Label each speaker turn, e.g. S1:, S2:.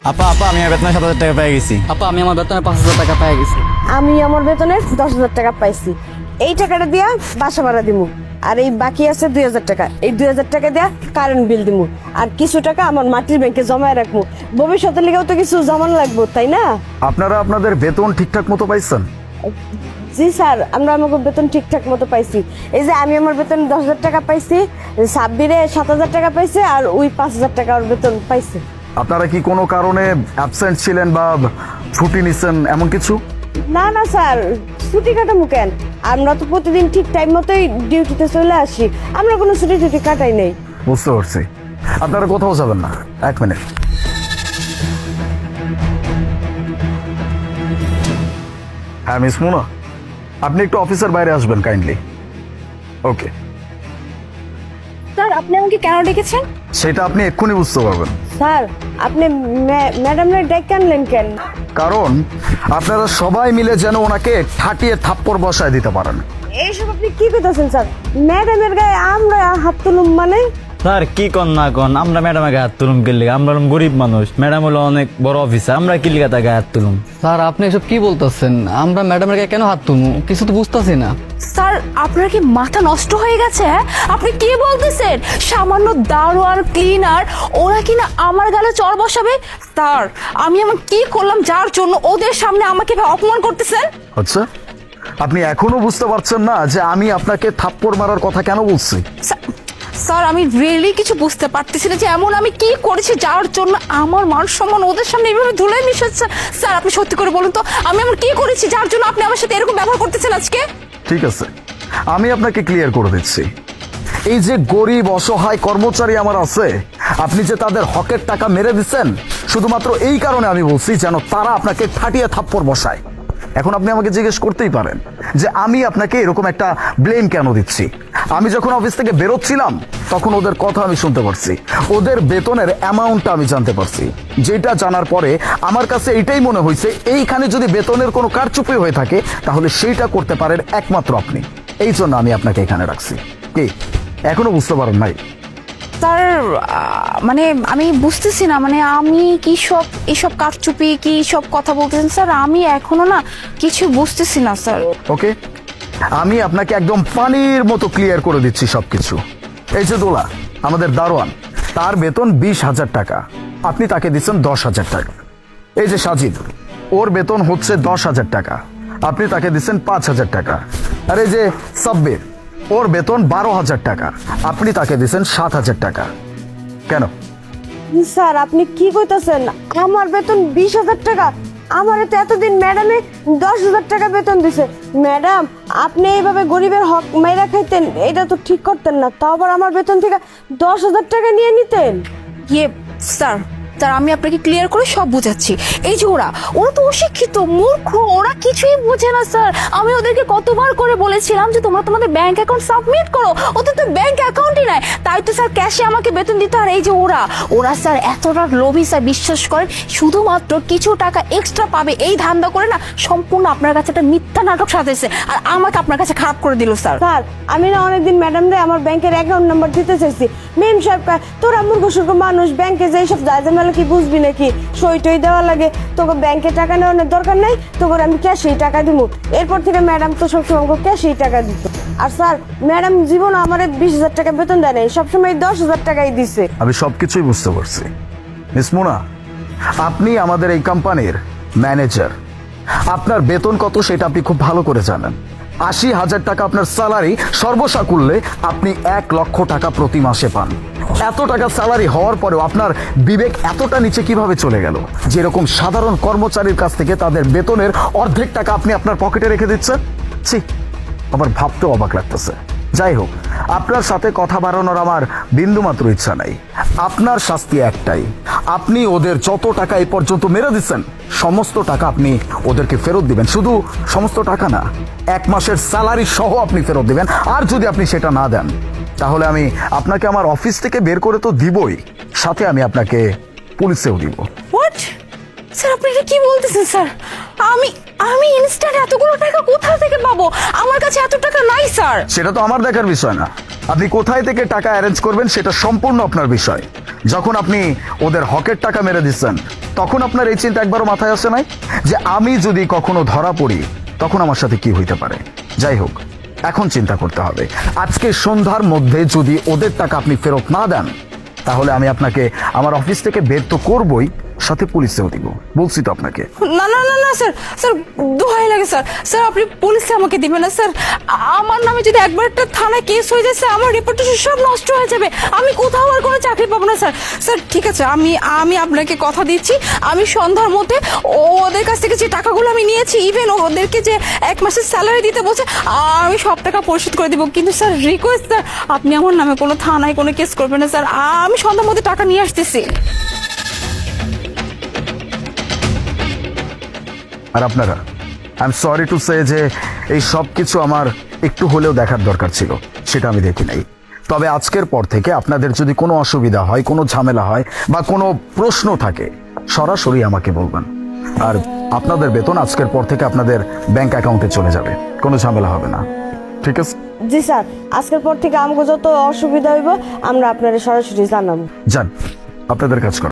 S1: আপা আপা আমি আমার বেতনে 7,000 টাকা পেয়ে গেছি।
S2: আপা আমি আমার বেতনে 5,000 টাকা পেয়ে গেছি।
S3: আমি আমার বেতনে 10,000 টাকা পাইছি। এই টাকাটা দিয়া বাসা ভাড়া দিমু, আর এই বাকি আছে 2,000 টাকা। এই 2,000 টাকা দিয়া কারেন্ট বিল দিমু, আর কিছু টাকা আমার মাটির ব্যাংকে জমায় রাখবো। ভবিষ্যতের লেগেও তো কিছু জমান লাগবো, তাই না?
S4: আপনারা আপনাদের বেতন ঠিকঠাক মতো পাইছেন?
S3: জি স্যার, আমরা আমাকে বেতন ঠিকঠাক মতো পাইছি। এই যে আমি আমার বেতন 10,000 টাকা পাইছি, সাব্বিরে 7,000 টাকা পাইছে, আর ওই 5,000 টাকা ওর বেতন পাইছে।
S4: আপনারা কি কোনো কারণে অ্যাবসেন্ট ছিলেন বা ছুটি নিছেন এমন কিছু?
S3: না না স্যার, ছুটি কাটামু কেন? আমরা তো প্রতিদিন ঠিক টাইম মতোই ডিউটিতে চলে আসি, আমরা কোনো ছুটি টুটি কাটাই নেই।
S4: বুঝতে পারছি। আপনারা কোথাও যাবেন না, 1 মিনিট। হ্যাঁ মিস মুনা, আপনি একটু অফিসের বাইরে আসবেন কাইন্ডলি। ওকে।
S5: স্যার আপনি আমাকে কেন ডেকেছেন?
S4: সেটা আপনি এক্ষুনি বুঝতে পারবেন।
S3: স্যার আপনি ম্যাডামের ডেকে আনলেন কেন?
S4: কারণ আপনারা সবাই মিলে যেন ওনাকে ঠাটিয়ে থাপ্পড় বসায় দিতে পারেন।
S3: এইসব আপনি কি করতেছেন স্যার? ম্যাডামের গায়ে আমরা হাত তুলুম মানে?
S1: স্যার কি কন না কন, আমরা ম্যাডামের গায়ে হাত তুলুম কি লিগা? আমরা হলাম গরিব মানুষ, ম্যাডাম হলো অনেক বড় অফিসার, আমরা কি লিগা তার গায়ে হাত তুলুম?
S2: স্যার আপনি এসব কি বলতেছেন? আমরা ম্যাডামের গায়ে কেন হাত তুলবো? কিছু তো বুঝতেছি না।
S5: স্যার আপনার কি মাথা নষ্ট হয়ে গেছে? হ্যাঁ আপনি কি বলতেছেন? সামান্য দারোয়ান ক্লিনার ওরা কিনা আমার গালে চড় বসাবে? স্যার আমি এমন কি করলাম যার জন্য ওদের সামনে আমাকে এভাবে অপমান করতেছেন?
S4: আচ্ছা, আপনি এখনো বুঝতে পারছেন না যে আমি আপনাকে থাপ্পড় মারার কথা কেন বলছি?
S5: স্যার আমি রিয়েলি কিছু বুঝতে পারতেছি না যে এমন আমি কি করেছি যার জন্য আমার মান সম্মান ওদের সামনে এইভাবে ধুলে মিশাচ্ছে। স্যার আপনি সত্যি করে বলুন তো, আমি এমন কি করেছি যার জন্য আপনি আমার সাথে এরকম ব্যবহার করতেছেন আজকে?
S4: ঠিক আছে, আমি আপনাকে ক্লিয়ার করে দিচ্ছি। এই যে গরিব অসহায় কর্মচারী আমার আছে, আপনি যে তাদের হকের টাকা মেরে দিচ্ছেন, শুধুমাত্র এই কারণে আমি বলছি যেন তারা আপনাকে ঠাটিয়ে থাপ্পড় বসায়। এখন আপনি আমাকে জিজ্ঞেস করতেই পারেন যে আমি আপনাকে এরকম একটা ব্লেম কেন দিচ্ছি। আমি যখন অফিস থেকে বেরোচ্ছিলাম তখন ওদের কথা আমি শুনতে পারছি, ওদের বেতনের অ্যামাউন্টটা আমি জানতে পারছি। যেটা জানার পরে আমার কাছে এইটাই মনে হয়েছে, এইখানে যদি বেতনের কোনো কারচুপি হয়ে থাকে তাহলে সেইটা করতে পারেন একমাত্র আপনি। এই জন্য আমি আপনাকে এখানে রাখছি। কি এখনো বুঝতে পারেন নাই?
S5: স্যার মানে আমি বুঝতেছি না, মানে আমি কি সব এসব কারচুপি কি সব কথা বলতেছেন স্যার? আমি এখনো না কিছু বুঝতেছি না স্যার।
S4: ওকে, আমি আপনাকে একদম পানির মতো ক্লিয়ার করে দিচ্ছি সবকিছু। এই যে দোলা আমাদের দারোয়ান, তার বেতন 20,000 টাকা, আপনি তাকে দিচ্ছেন 10,000 টাকা। এই যে সাজিদ, ওর বেতন হচ্ছে 10,000 টাকা, আপনি তাকে দিচ্ছেন 5,000 টাকা। আর এই যে সাব্বির, ওর বেতন 12,000 টাকা, আপনি তাকে দিচ্ছেন 7,000 টাকা। কেন?
S3: স্যার আপনি কি কইতাছেন? আমার বেতন 20,000 টাকা? আমার তো এতদিন ম্যাডামে 10,000 টাকা বেতন দিছে। ম্যাডাম আপনি এইভাবে গরিবের হক মাইরা খাইতেন, এটা তো ঠিক করতেন না। তাও আবার আমার বেতন থেকে 10,000 টাকা নিয়ে নিতেন।
S5: ইয়ে স্যার, স্যার আমি আপনাকে ক্লিয়ার করে সব বুঝাচ্ছি। এই যে ওরা ওরা তো অশিক্ষিত মূর্খ, ওরা কিছুই বোঝে না স্যার। আমি ওদেরকে কতবার করে বলেছিলাম যে তোমরা তোমাদের ব্যাংক অ্যাকাউন্ট সাবমিট করো, ওদের তো ব্যাংক অ্যাকাউন্টই নাই, তাই তো স্যার ক্যাশে আমাকে বেতন দিতে। আর এই যে ওরা ওরা স্যার এতটা লোভী স্যার, বিশ্বাস করেন শুধুমাত্র কিছু টাকা এক্সট্রা পাবে এই ধান্দা করে না সম্পূর্ণ আপনার কাছে একটা মিথ্যা নাটক সাজাইছে, আর আমাকে আপনার কাছে খারাপ করে দিল স্যার।
S3: স্যার আমি না অনেকদিন ম্যাডামরে আমার ব্যাংকের অ্যাকাউন্ট নাম্বার দিতে চাইছি। মেম সাহেব কয়, তোরা মূর্খ সুর্খ মানুষ, ব্যাংকে যে সব জায়জামেলা কি বুঝবি নাকি? সই টই দেওয়া লাগে, তোকে ব্যাংকে টাকা নেওয়ার দরকার নাই, তোকে আমি ক্যাশেই টাকা দিব। এরপর থেকে ম্যাডাম তো সবসময় আমাকে ক্যাশেই টাকা দিত। আর স্যার ম্যাডাম জীবন আমার 20,000 টাকা বেতন দেয় নাই, সবসময় 10,000 টাকাই দিছে।
S4: আমি সবকিছুই বুঝতে পারছি। মিস মুনা, আপনি আমাদের এই কোম্পানির ম্যানেজার, আপনার বেতন কত সেটা আপনি খুব ভালো করে জানেন। 80,000 টাকা আপনার স্যালারি, সর্বসাকুল্যে আপনি 1 লক্ষ টাকা প্রতি মাসে পান। এত টাকা স্যালারি হওয়ার পরেও আপনার বিবেক এতটা নিচে কিভাবে চলে গেল? যেরকম সাধারণ কর্মচারীর কাছ থেকে তাদের বেতনের অর্ধেক টাকা আপনি আপনার পকেটে রেখে দিচ্ছেন। ছি, আমার ভাবতেও অবাক লাগতেছে। যাই হোক, আপনার সাথে কথা বাড়ানোর আমার বিন্দুমাত্র ইচ্ছা নাই। আপনার শাস্তি একটাই, আপনি ওদের যত টাকা এই পর্যন্ত মেরে দিচ্ছেন সমস্ত টাকা আপনি ওদেরকে ফেরত দিবেন। শুধু সমস্ত টাকা না, 1 মাসের স্যালারি সহ আপনি ফেরত দিবেন। আর যদি আপনি সেটা না দেন তাহলে আমি আপনাকে আমার অফিস থেকে বের করে তো দিবই, সাথে আমি আপনাকে পুলিশেও দিব।
S5: হোয়াট স্যার, আপনি এটা কি বলতেছেন স্যার? আমি আমি ইনস্ট্যান্ট এতগুলো টাকা কোথা থেকে পাবো? আমার কাছে এত টাকা নাই স্যার।
S4: সেটা তো আমার দেখার বিষয় না। আপনি কোথায় থেকে টাকা অ্যারেঞ্জ করবেন সেটা সম্পূর্ণ আপনার বিষয়। যখন আপনি ওদের হকের টাকা মেরে দিচ্ছেন তখন আপনার এই চিন্তা একবারও মাথায় আসে নাই যে আমি যদি কখনো ধরা পড়ি তখন আমার সাথে কি হইতে পারে? যাই হোক, এখন চিন্তা করতে হবে। আজকে সন্ধ্যার মধ্যে যদি ওদের টাকা আপনি ফেরত না দেন, তাহলে আমি আপনাকে আমার অফিস থেকে বের তো করবই, সাথে পুলিশেও দিব। বলছি তো আপনাকে।
S5: না না না না স্যার, স্যার দোহাই লাগে স্যার, স্যার আপনি পুলিশে আমাকে দিবেন না স্যার। আমার নামে যদি একবার একটা থানায় কেস হয়ে যায় স্যার, আমার রেপুটেশন সব নষ্ট হয়ে যাবে, আমি কোথাও আর কোনো চাকরি পাবো না স্যার। স্যার ঠিক আছে, আমি আপনাকে কথা দিচ্ছি, আমি সন্ধ্যার মধ্যে ওদের কাছ থেকে যে টাকাগুলো আমি নিয়েছি, ইভেন ওদেরকে যে 1 মাসের স্যালারি দিতে বলছে, আমি সব টাকা পরিশোধ করে দিব। কিন্তু স্যার রিকোয়েস্ট স্যার, আপনি আমার নামে কোনো থানায় কোনো কেস করবেন না স্যার, আমি সন্ধ্যার মধ্যে টাকা নিয়ে আসতেছি।
S4: আর আপনারা, I am sorry to say যে এই সব কিছু আমার একটু হলেও দেখার দরকার ছিল, সেটা আমি দেখি নাই। তবে আজকের পর থেকে আপনাদের যদি কোনো অসুবিধা হয়, কোনো ঝামেলা হয় বা কোনো প্রশ্ন থাকে, সরাসরি আমাকে বলবেন। আর আপনাদের বেতন আজকের পর থেকে আপনাদের ব্যাংক অ্যাকাউন্টে চলে যাবে, কোনো ঝামেলা হবে না। ঠিক আছে?
S3: জি স্যার, আজকের পর থেকে আমাকে যত অসুবিধা হইব আমরা আপনারা সরাসরি জানাবো।
S4: যান, আপনাদের কাজ করুন।